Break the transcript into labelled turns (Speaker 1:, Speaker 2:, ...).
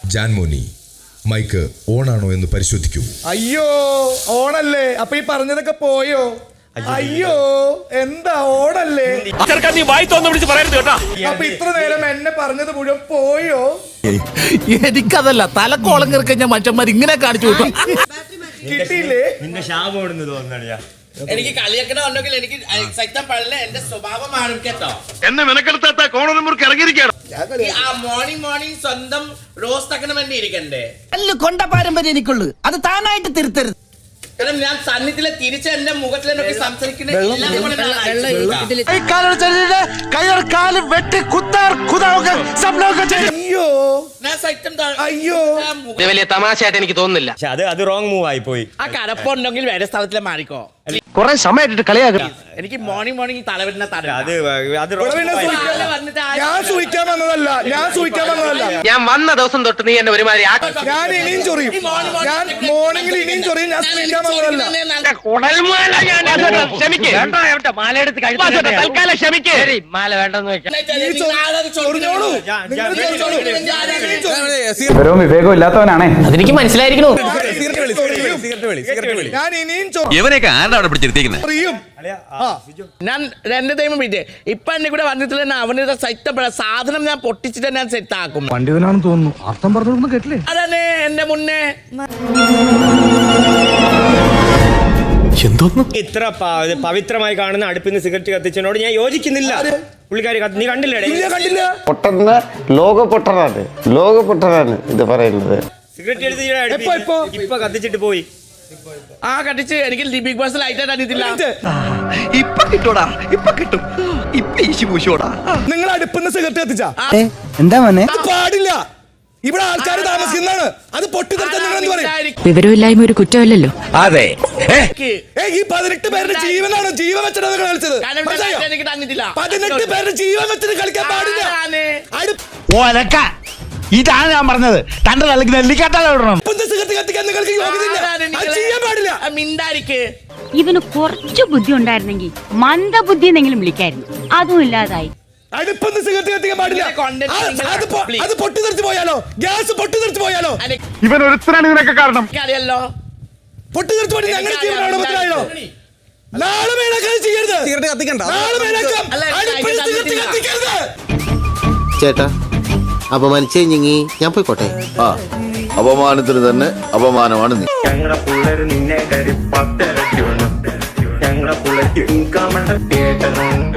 Speaker 1: ജാൻമോനി, mic ഓണാണോ എന്ന് പരിശോധിക്കൂ.
Speaker 2: അയ്യോ, ഓണല്ലേ? അപ്പൊ ഈ പറഞ്ഞതൊക്കെ പോയോ? അയ്യോ, എന്താ ഓണല്ലേ? അപ്പൊ ഇത്ര നേരം എന്നെ പറഞ്ഞത് മുഴുവൻ പോയോ?
Speaker 3: എനിക്കതല്ല, തലക്കോളം കിറക്കഞ്ഞ മനുഷ്യന്മാർ ഇങ്ങനെ കാണിച്ചു വിട്ടു.
Speaker 2: കിട്ടിയില്ലേ?
Speaker 4: നിന്റെ ശാപം ഓടുന്നു തോന്നുന്നു.
Speaker 5: എനിക്ക് കളിയാക്കണ ഉണ്ടെങ്കിൽ എനിക്ക് സൈത്തം പഴയ എന്റെ സ്വഭാവമാണ് കേട്ടോ.
Speaker 6: എന്നെ മെനക്കെടുത്താത്ത കോണൂർക്ക് ഇറങ്ങിയിരിക്കണം.
Speaker 5: ആ മോർണിംഗ് സ്വന്തം റോസ്റ്റ് ആക്കണം വേണ്ടി ഇരിക്കണ്ടേ?
Speaker 3: കൊണ്ട പാരമ്പര്യം എനിക്കുള്ളു, അത് താനായിട്ട് തിരുത്തരുത്.
Speaker 5: കാരണം ഞാൻ സന്നിധിയിലെ തിരിച്ച് എന്റെ മുഖത്തിലൊക്കെ സംസാരിക്കുന്ന
Speaker 2: അയ്യോ, അയ്യോ,
Speaker 7: വലിയ തമാശയായിട്ട് എനിക്ക് തോന്നുന്നില്ല.
Speaker 4: അത് റോങ് മൂവ് ആയി പോയി.
Speaker 5: ആ കടപ്പുണ്ടെങ്കിൽ വേറെ സ്ഥലത്തിലെ മാറിക്കോ.
Speaker 7: കുറെ സമയമായിട്ട് കളിയാക്കണം.
Speaker 5: എനിക്ക് മോർണിംഗ് തലവരുന്ന
Speaker 2: ഞാൻ സൂഹിക്കാൻ വന്നതല്ല,
Speaker 7: ഞാൻ വന്ന ദിവസം തൊട്ട് നീ എന്നെ ഒരുമാതിരി
Speaker 2: ഞാൻ ഇനിയും ചൊറിയും. ഞാൻ മോർണിംഗിൽ ഇനിയും ചൊറിയും. ഞാൻ സൂഹിക്കാൻ വന്നതല്ല.
Speaker 7: മാല വേണ്ടെന്ന് വെക്കാം.
Speaker 2: ചൊറിഞ്ഞോളൂ.
Speaker 8: വിവരവും വിവേകവും ഇല്ലാത്തവനാണേ.
Speaker 7: അതെനിക്ക് മനസ്സിലായിരിക്കണു.
Speaker 2: ഞാൻ ഇനിയും
Speaker 6: ഇവനെയൊക്കെ ആരുടെ അവിടെ പിടിച്ചിരുത്തിക്കുന്നത്?
Speaker 2: ചൊറിയും.
Speaker 5: ഞാൻ രണ്ട് ടൈം വിറ്റ് ഇപ്പൊ എന്നെ കൂടെ വന്നിട്ടില്ല. അവരുടെ സെറ്റപ്പെട സാധനം ഞാൻ പൊട്ടിച്ചിട്ട് ഞാൻ സെറ്റ് ആക്കും.
Speaker 8: പണ്ഡിതനാണെന്ന് തോന്നുന്നു. അർത്ഥം പറഞ്ഞൊന്നും കേട്ടില്ലേ?
Speaker 5: അതന്നെ എന്റെ മുന്നേ
Speaker 4: ഇത്ര പവിത്രമായി കാണുന്ന അടുപ്പിൽ നിന്ന് സിഗരറ്റ് കത്തിച്ചതിനോട് ഞാൻ യോജിക്കുന്നില്ല. പുള്ളിക്കാരി നീ കണ്ടില്ലേ?
Speaker 9: പൊട്ടുന്ന ലോക പൊട്ടനാണ് ഇത് പറയുന്നത്.
Speaker 4: സിഗരറ്റ് എടുത്ത് ഇപ്പൊ കത്തിച്ചിട്ട് പോയി.
Speaker 5: ആ കട്ടിച്ച് എനിക്ക് ബിഗ് ബോസ് ലൈറ്റ് അറിയത്തില്ല.
Speaker 3: ഇപ്പൊ കിട്ടൂടാ, ഇപ്പൊ കിട്ടും. ഇപ്പൊ ഈശി പൂശോടാ.
Speaker 2: നിങ്ങൾ അടുപ്പിന്ന് സിഗരറ്റ് കത്തിച്ചാ
Speaker 3: എന്താ മോനെ?
Speaker 2: പാടില്ല. ഇവിടെ ആൾക്കാർ താമസിക്കുന്നതാണ്. അത് പൊട്ടിത്തെറിച്ചാൽ നിങ്ങൾ എന്ത് പറയും?
Speaker 10: വിവരമില്ലായ്മ ഒരു കുറ്റമല്ലല്ലോ.
Speaker 7: അതെ,
Speaker 2: ഈ 18 പേരുടെ ജീവനാണ് ജീവൻ വെച്ചിട്ടാണ് നിങ്ങൾ കളിച്ചത്.
Speaker 5: എനിക്ക് തന്നിട്ടില്ല.
Speaker 2: 18 പേരുടെ ജീവൻ വെച്ചിട്ട് കളിക്കാൻ പാടില്ല.
Speaker 3: ഇതാണ് ഞാൻ പറഞ്ഞത്. തന്റെ തലക്ക് നെല്ലിക്കാട്ടാണ് വിടണം.
Speaker 2: സിഗരറ്റ് കത്തിക്കാൻ നിങ്ങൾക്ക് യോഗ്യതയില്ല. അത് ചെയ്യാൻ പാടില്ല.
Speaker 5: മിണ്ടായിരിക്ക്.
Speaker 10: ഇവന് കുറച്ചു ബുദ്ധി ഉണ്ടായിരുന്നെങ്കിൽ മന്ദബുദ്ധി എന്നെങ്കിലും വിളിക്കായിരുന്നു. അതും ഇല്ലാതായി.
Speaker 2: അടുപ്പൊന്ന് സിഗരറ്റ് കത്തിക്കാൻ പാടില്ല. അത് പൊട്ടിത്തെറിച്ച് പോയാലോ? ഗ്യാസ് പൊട്ടിത്തെറിച്ച് പോയാലോ?
Speaker 8: ഇവൻ ഒരുത്തരാണ് ഇതിനൊക്കെ കാരണം.
Speaker 5: അറിയല്ലോ
Speaker 2: പൊട്ടിത്തെറിച്ച് പോയി ഞങ്ങളുടെ ജീവനാണോ മനസ്സിലായോ? നാളെ മേലാക്കാൻ ചെയ്യരുത്. സിഗരറ്റ് കത്തിക്കണ്ട. നാളെ മേലാക്കാം. അടുപ്പിൽ സിഗരറ്റ് കത്തിക്കരുത്.
Speaker 9: ചേട്ടാ, അപമാനിച്ചേ ഞാൻ പോയിക്കോട്ടെ.
Speaker 6: അപമാനത്തിന് തന്നെ അപമാനമാണ് നീ.
Speaker 4: ഞങ്ങളുടെ പിള്ളേര് നിന്നെ ഞങ്ങളുടെ പിള്ളേർക്ക്